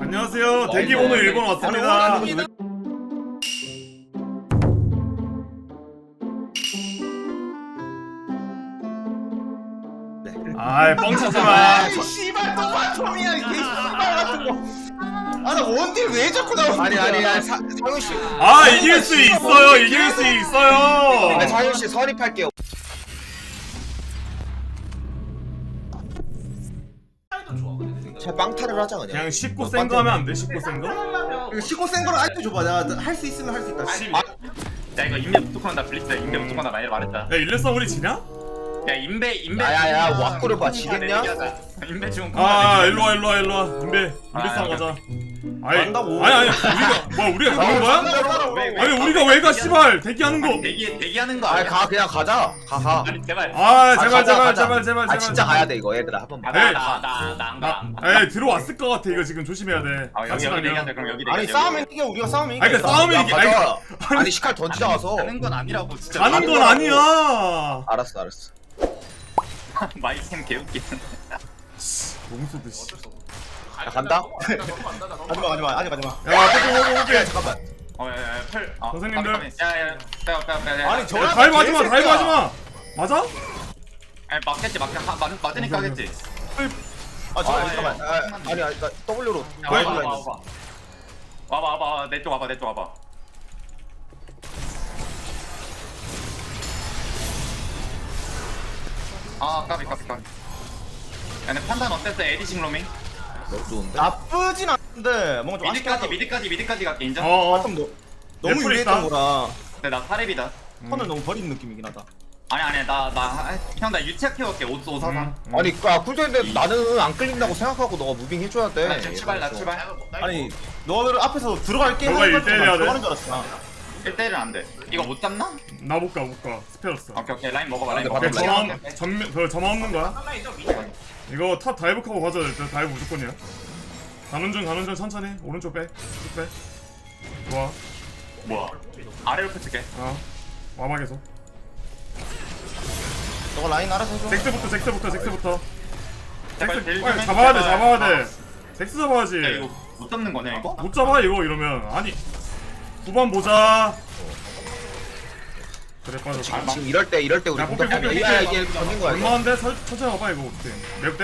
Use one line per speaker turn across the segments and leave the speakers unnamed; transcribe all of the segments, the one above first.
안녕하세요. 대기번호 1번 왔습니다. 아이 뻥치지마.
씨발 또 바텀이야 이게 씨발 같은 거. 아 나 원딜 왜 자꾸 나오는
아니
거야?
상윤 씨.
아 이길 수 있어요. 이길 수 있어요.
아니 상윤 씨 선입할게요. 제 빵타를 하자 그냥.
그냥 쉽고 센 거 하면 안 돼? 쉽고 센 거?
이거 시고 센 거를 아이템 줘봐. 내가 할 수 있으면 할 수 있다.
야 이거 인베 무조건 한다 블리츠 인베 무조건 한다 많이 말했다.
야 일레성 우리 지냐?
야 인베
야야야 와꾸를 봐 지겠냐?
인베 지금
아 일로와 인베 싸움 가자. 아니
간다고.
아니 우리가 가는 거야? 아니 우리가 왜 가 씨발 대기하는 거.
대기하는 거
아니
아니야?
가 그냥 가자. 가.
아니 제발.
아 제발
가자.
제발.
아 진짜 가야 돼 이거 얘들아 한 번만.
나안 가.
에이 들어왔을 것 같아. 이거 지금 조심해야 돼.
여기
같이
여기
다녀.
대기한다 그럼 여기
아니 싸우면 이겨. 우리가 싸우면 이겨.
아니 그러니까 싸움이
야
이게
가자. 아니 시칼 던지자 가서.
가는 건 아니라고 진짜.
가는 건 아니야.
알았어.
마이템 개웃기.
롱소드 씨.
야 간다.
가지마. 아직 가지마.
야 호흡해.
잠깐만.
어야야 펄.
선생님들.
야야 빼.
아니 저
다이브 하지 마. 맞아?
아니 맞겠지 맞으니까 하겠지.
아
잠깐만. 아니 나 W로.
와봐 내 쪽 와봐. 아 까비. 야 근데 판단 어땠어 에디싱 로밍?
너무 좋은데.
나쁘진 않은데 뭔가 좀 아쉽게 하다.
미드까지 갈게 인정?
어어.
너무
예쁘겠다.
유리했던 거라
근데 나 8렙이다.
턴을 너무 버리는 느낌이긴 하다.
아니 나 유치학 키워볼게 543.
아니 쿨타임인데 나는 안 끌린다고 생각하고 너가 무빙 해줘야 돼.
나 출발.
아니 너를 앞에서 들어갈게
너가
하니까
일대일 해야 돼?
들어가는 줄 알았어.
1대1은 안돼. 이거 못 잡나?
나 못 가. 스페러스.
오케이 라인 먹어봐 라인
근데
먹어봐.
그 점화 없는 거야? 이거 탑 다이브 커버 가져야 될 듯. 다이브 무조건이야. 가는 중 천천히. 오른쪽 빼. 쭉 빼. 좋아.
뭐야? 아래로 붙일게.
와봐 계속.
너가 라인 알아서 해줘.
잭스부터.
제발 딜
빨리
좀
잡아야
해주자.
돼. 잭스 잡아야지.
야 이거 못 잡는 거냐 이거?
못 잡아 이거 이러면. 아니. 9번 보자. 그래 빠져.
지금 이럴 때 우리
야, 뽀삐.
야 이게 던진 거야. 이거.
얼마인데? 천천히 와봐 이거 어떻게? 몇 대?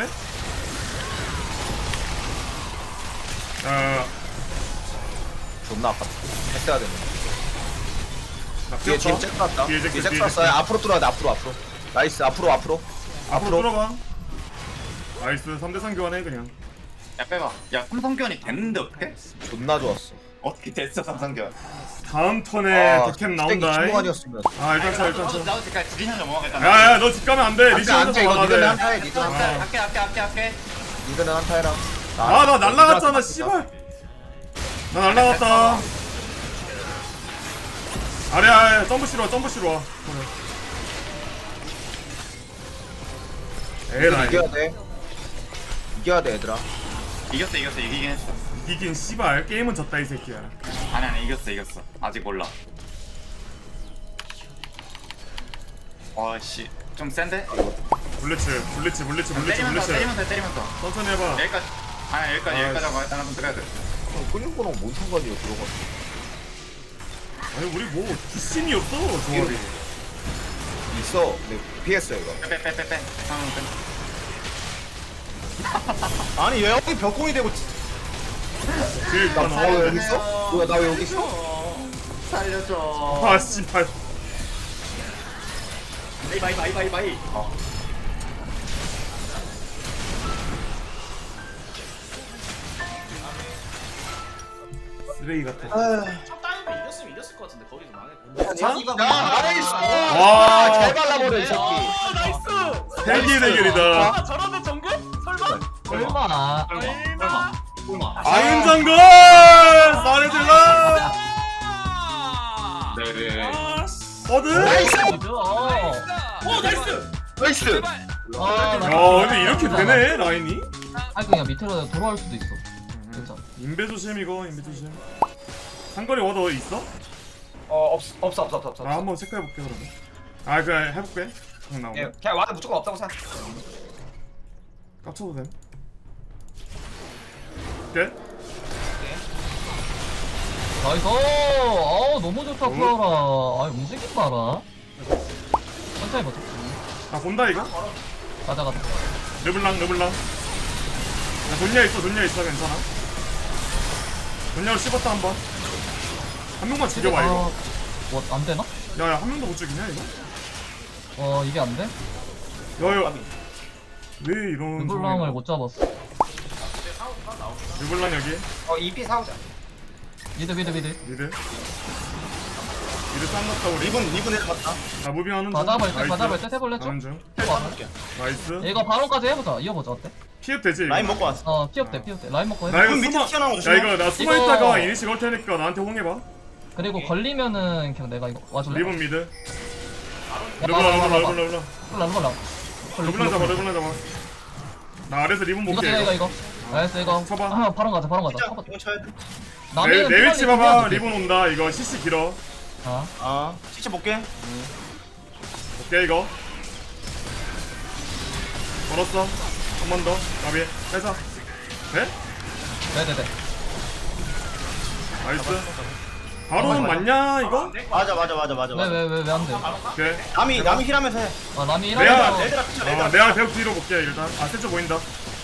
존나 아팠다. 했어야 되는.
나
뒤에
피었다.
잭 왔다.
뒤에
뒤에
잭스,
잭
뒤에
왔어. 앞으로 뚫어야 돼. 앞으로. 나이스. 앞으로.
앞으로 뚫어봐. 나이스 3대3 교환해 그냥.
야 빼봐. 야 삼성견이 됐는데 어떻게?
존나 좋았어.
어떻게 됐어 삼성견?
다음 턴에 득캠
스택이
나온다.
중간이었으면.
일단 쳐.
나도 지금 디비전 좀 먹어야겠다.
야야 너 집 가면 안 돼. 리전
안돼
혼자
이거
가야
니들은
돼.
한타 해. 니들은 한타 해.
할게.
니들은 한타 해라.
나 날라갔잖아 씨발. 나 날라갔다. 아래 점프 씨로 와. 에라이.
이겨야 돼 얘들아.
이겼어 이기긴 했어.
이긴 씨발 게임은 졌다 이 새끼야.
아니 이겼어. 아직 몰라. 어씨 좀 센데?
블리츠.
때리면서.
천천히 해봐.
여기까지. 여기까지 하고 일단 한번 들어야 돼.
끌린 거랑 뭔 상관이야 들어가.
아니 우리 뭐 뒷심이 없어 조합이.
있어. 근데 피했어 이거.
빼.
아니 왜 여기 벽공이 되고
그
나 왜 여기 있어? 뭐야 나 왜 여기 있어?
살려줘.
아 씨발.
바이.
쓰레기 같아.
첫 타임에 이겼으면 이겼을 것 같은데 거기서 망했고.
와.
잘 발라버려 이 새끼.
나이스.
세계 대결이다.
저런데 정글? 설마?
설마.
아윤장군 사레질라.
네네.
어드.
나이스.
오 나이스.
나이스.
근데 이렇게 되네 라인이.
아니 그냥 밑으로 돌아올 수도 있어. 괜찮아.
인베 조심 이거 인베 조심. 상거리 워더 있어?
없어.
한번 체크해볼게 그러면. 그냥 해볼게. 그냥 나오고.
예, 그냥 와도 무조건 없다고 생각.
깝쳐도 됨. 오케이.
나이스. 어우 너무 좋다 쿠아라. 아 움직임 봐라. 천천히 보자.
나 본다 이거.
가자.
르블랑. 야 돈냐 있어 괜찮아. 돈냐로 씹었다 한 번. 한 명만 죽여봐 이거.
뭐안 되나?
야야 한 명도 못 죽이냐 이거?
이게 안 돼?
야야 왜 이런
르블랑을 못 잡았어.
르블랑 여기
EP 사오자.
미드.
미드 쌍 났다 우리.
리븐 해봤다.
나 무빙하는 중.
다 잡을 때
나이스.
해볼래 좀?
가는 중. 나이스.
이거 바론까지 해보자. 이어보자 어때?
피흡 되지 이거.
라인 먹고 왔어.
피업돼. 라인 먹고
나
해봐.
이거
밑에
숨어.
튀어나온 거
야
조심해.
이거 나 숨어
이거-
있다가 이니시 걸 테니까 나한테 홍해봐.
그리고 걸리면은 그냥 내가 이거 와줄래?
리본 미드.
야,
르블랑.
르블랑
르블랑 잡아. 나 아래서 리본
이거
볼게.
이거 알았어 이거
쳐봐.
바론 가자
진짜
쳐봐.
이거 쳐야 돼.
내 위치 봐봐. 리본 온다. 이거 CC 길어.
진짜 볼게.
오케이 이거. 걸었어. 한 번 더. 나비. 빼자. 돼?
네네네
나이스. 바로 맞냐 이거?
맞아.
왜 안 돼?
오케이.
남이 힐하면서 해.
남이
내가-
이라면서
얘들아 피쳐.
내가 배역 뒤로 볼게 일단. 세주 보인다.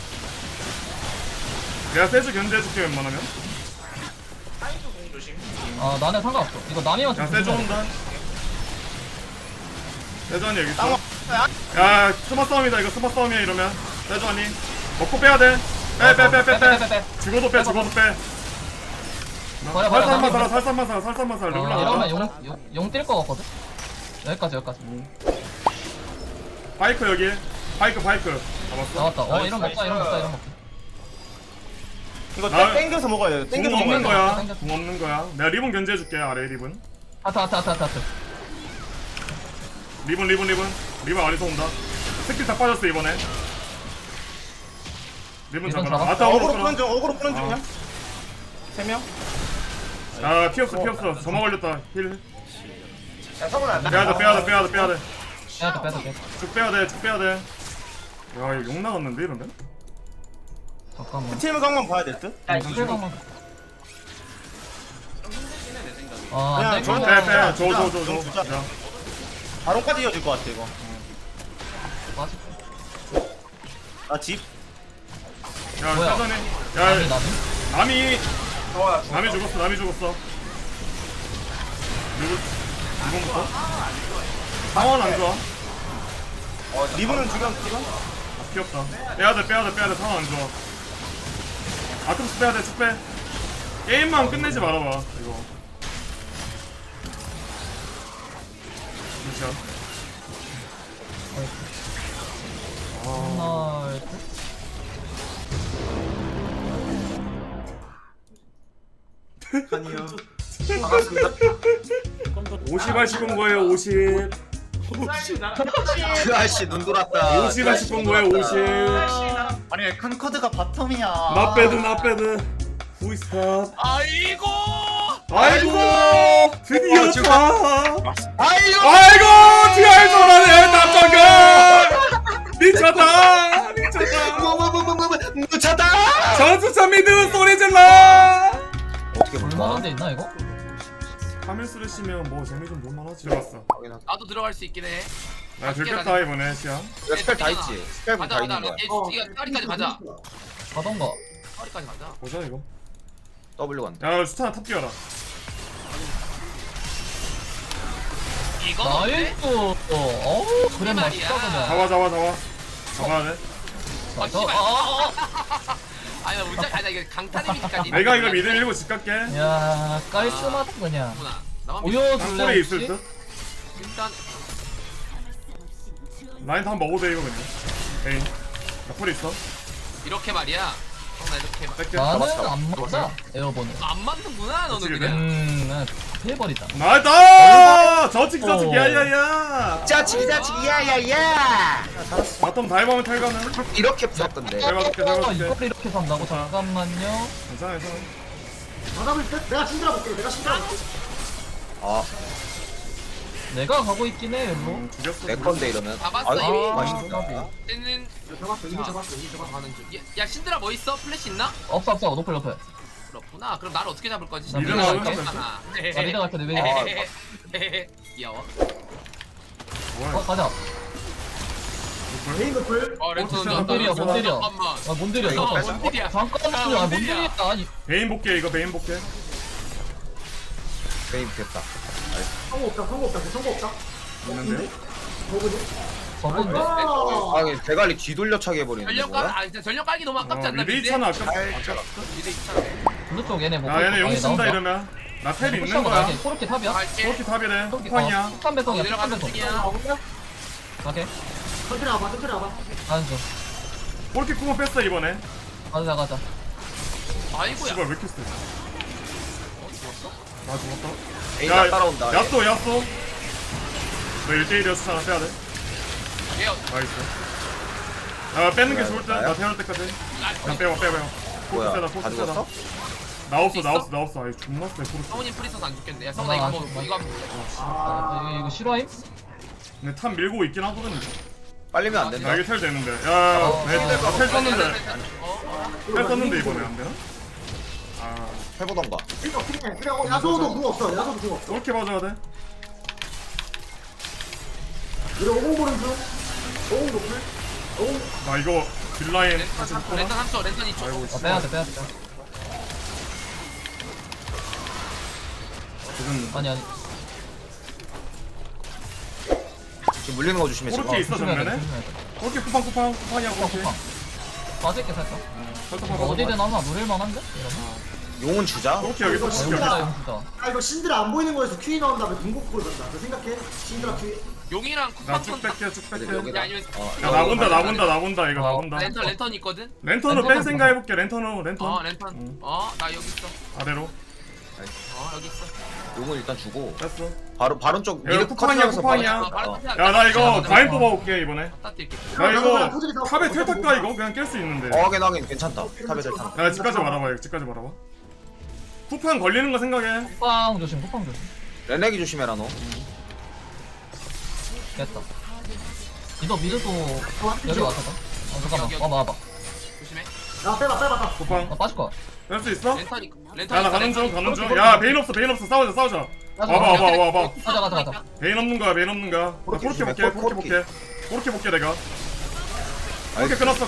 내가 세주 견제해줄게 웬만하면.
나는 상관없어. 이거 남이만
야
좀
세주
조심해.
온다. 세주한이 여기 있어.
땅
야 스마 싸움이다 이거. 스마 싸움이야 이러면. 세주한이 먹고 빼야 돼. 빼. 죽어도 빼. 살살만 살아. 르블랑
이러면 용 뛸 거 같거든? 여기까지
파이크 여기. 파이크 잡았어.
나왔다. 이런 먹자.
이거
나-
땡겨서 먹어야 돼.
궁
땡겨서
없는
먹어야 돼.
거야. 궁 없는 거야. 내가 리본 견제해줄게 아래 리본.
하트.
리본 아래서 온다. 스킬 다 빠졌어 이번에. 리본
리본
잡아라.
잡았어.
아따
어그로
오고
푸는 중이야. 3명?
아 피 없어. 점화 걸렸다. 힐.
야 성훈아.
빼야돼.
빼야 돼.
쭉 빼야돼. 야 이거 욕 나갔는데 이러면?
잠깐만.
팀을 강만 봐야 될 듯?
잠깐만.
그냥
안
저-
돼.
빼.
좀
줘.
주자.
야.
바론까지 이어질 것 같아 이거.
맞아.
나 집.
야
뭐야?
사전에.
남이.
야 남이
좋아.
남이 죽었어. 리본부터. 상황 안 좋아.
리븐은 주변 지금?
귀엽다. 빼야돼. 상황 안 좋아. 아톰스 빼야돼. 쭉 빼. 게임만 끝내지 말아봐. 이거. 그렇죠.
하나,
아니요.
50 하실 거예요. 50.
그 아저씨 눈 돌았다.
50 하실 거예요. 50.
아니 큰 커드가 바텀이야.
나 빼드. 후이스탑.
아이고.
아이고. 드디어 다.
아이고.
아이고. 디아이 저라네. 남자가. 미쳤다.
묻혔다.
전수차 미드 소리 질러.
어떻게
볼만한 데 있나 이거?
카밀스를 씨면 뭐 재미 좀 볼만하지. 들어갔어.
나도 들어갈 수 있긴 해.
나 들켰다 이번에 시야.
스펠 다 있지. 스펠 다 있는 거야.
이거 까리까지 가자.
가던가.
까리까지 가자.
보자 이거.
W 간다.
야 수탄 탑 뛰어라.
이건 어때?
나이스. 그래 맛있다 그냥.
잡아야 돼.
아, 씨발. 아니 나 문자 아니 나 이거 강타님이니까.
내가 이거 미드 밀고 집 갈게.
야 깔끔하다 그냥.
나만
보여줄래
땅굴에 있을
혹시?
듯.
일단
라인 다 먹어도 돼 이거 그냥. 에이. 나 폴이 있어.
이렇게 말이야. 나 이렇게
뺄게.
나는 안 맞아 에어본을.
안 맞는구나 너는
그치,
그냥.
난 피해버리자.
나이다. 저칙 야야야.
짜치기 야야야.
바텀 다이버면 탈가는.
이렇게 부었던데.
잘 봐줄게.
이걸 이렇게 산다고? 잠깐만요.
괜찮아.
아,
내가 가고 있긴 해 일로.
죽였어.
내 건데 이러면.
잡았어,
아이고,
이미.
맛있다.
쟤는 이미 잡았어. 가는 중. 야 신드라 뭐 있어? 플래시 있나?
없어 노플 옆에.
그렇군. 거구나. 그럼 나를 어떻게 잡을 거지?
미드
나가는
거잖아.
나 미드 갈게, 내 미드.
귀여워.
뭐야
가자.
메인 노플.
렌터
뭔들이야,
뭔들이야.
잠깐만.
아, 뭔들이야,
어,
잠깐.
뭔들이야.
잠깐만, 아, 뭔들이야. 아니,
베인 볼게 이거 베인 볼게
게임 됐다.
성공 없다, 성공 없다, 성공 없다.
있는데요?
뭐거든?
저건데?
아 이게 대가리 뒤돌려차게 해버리는
전력
거야?
깔, 진짜 전력 깔기 너무 아깝지 않나?
미드 있잖아 아까
미드 있잖아.
블루 쪽 얘네 뭐.
야 얘네 용
아니,
쓴다
나온다.
이러면 나 텔 있는
푸시하고
거야
나게. 코르키 탑이야?
갈게.
그렇게 탑이래
코르키
쿠팡이야
폭탄 배송이야, 폭탄
내려가는
배송.
중이야.
가게.
천천히 와봐, 천천히 와봐.
가는 중.
그렇게 쿠폰 뺐어 이번에
가자.
아이고야.
이걸 왜 이렇게 세?
죽었어?
나 죽었다
에이 나 따라온다.
야쏘 야쏘 너 1대1이었잖아 빼야돼
얘
나이스 야 빼는 게 좋을
나야?
듯나 태어날 때까지 그냥 빼봐
뭐야?
포트 세다
다
포트
죽었어?
세다 나 없어 아이 존나 세 포트
성훈이 프리서스 안 죽겠네. 야 성훈아 이거
안
뭐
죽어.
이거 한번
이거 실화임?
근데 탑 밀고 있긴 하거든 이거.
빨리면 안
나
된다.
이게 텔 되는데 야나텔 썼는데
어?
텔 썼는데 이번에 안 되나? 아
해보던가.
그냥, 야소도 궁 없어, 야소도 궁 없어.
그렇게 봐줘야 돼
우리 50 보는 중. 50 노플. 50.
나 이거 딜라인
렌턴
다시
3초, 렌턴 3초, 렌턴 2초.
아이고
빼야 돼.
지금
아니.
지금 물리는 거 조심해 지금.
그렇게 있어
조심해야 돼,
정면에?
조심해야 돼.
그렇게 쿠팡이야 그렇게
쿠팡. 빠질게 살짝.
설탕
이거 어디든 하나 노릴만한데? 이러면?
용은 주자.
그렇게 여기서
아,
시켜
용수다, 용수다.
아, 이거 신드라 안 보이는 거에서 퀸이 나온 다음에 궁극구를 간다. 너 생각해? 신드라 퀸.
용이랑 쿠팡
나쭉 뺄게 쭉 뺄게
여기다.
야 아니면
야 나본다 이거 나본다
렌턴 있거든?
렌턴으로 뺀 생각 해볼게 렌턴으로 렌턴
렌턴.
응.
나 여기 있어.
아래로
여기 있어.
용은 일단 주고
뺐어
바로 쪽
야,
미드
쿠팡이야,
커트하면서
쿠팡이야.
바로- 어.
야 나 이거 바인 뽑아올게 이번에
딱 뛸게.
나 이거
나도
탑에 텔 탈까 이거 그냥 깰 수 있는데
하긴 괜찮다. 탑에 잘 탄다.
야 집까지 말아봐 집까지 말아봐 쿠팡 걸리는 거 생각해
쿠팡 조심.
레넥이 조심해라 너.
됐다. 이거 미드도 여기 왔었다. 잠깐만.
여기.
와봐.
조심해.
야, 빼봐.
쿠팡
빠질 거야.
뺄 수 있어?
렌턴.
야 나 가는 중야 베인 없어 싸우자 와봐
가자.
베인 없는 거야 나
그렇게
그렇게 볼게
조심해,
그렇게 볼게 내가 그렇게 끊었어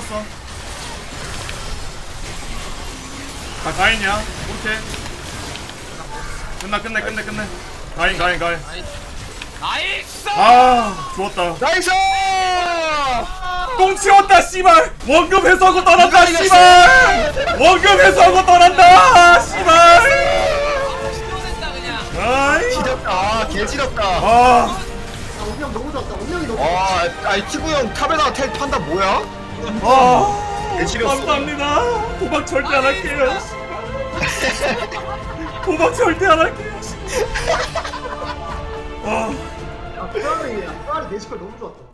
아 가인이야 그렇게 끝내 가인
나이스!
아 좋았다
나이스!
똥 치웠다 씨발 원금 회수하고 떠난다 씨발 원금 회수하고 떠난다 씨발
시원했다 그냥.
아이
지렸다. 개 지렸다.
아
운명 너무 좋았다. 운명이 너무
아이 티구 형 탑에다가 텔 판다 뭐야?
아,
개 지렸어.
감사합니다. 도박 절대 안 할게요. 도박 절대 안 할게요. 아.
좋았다. 야, 내 시컬 너무 좋았다.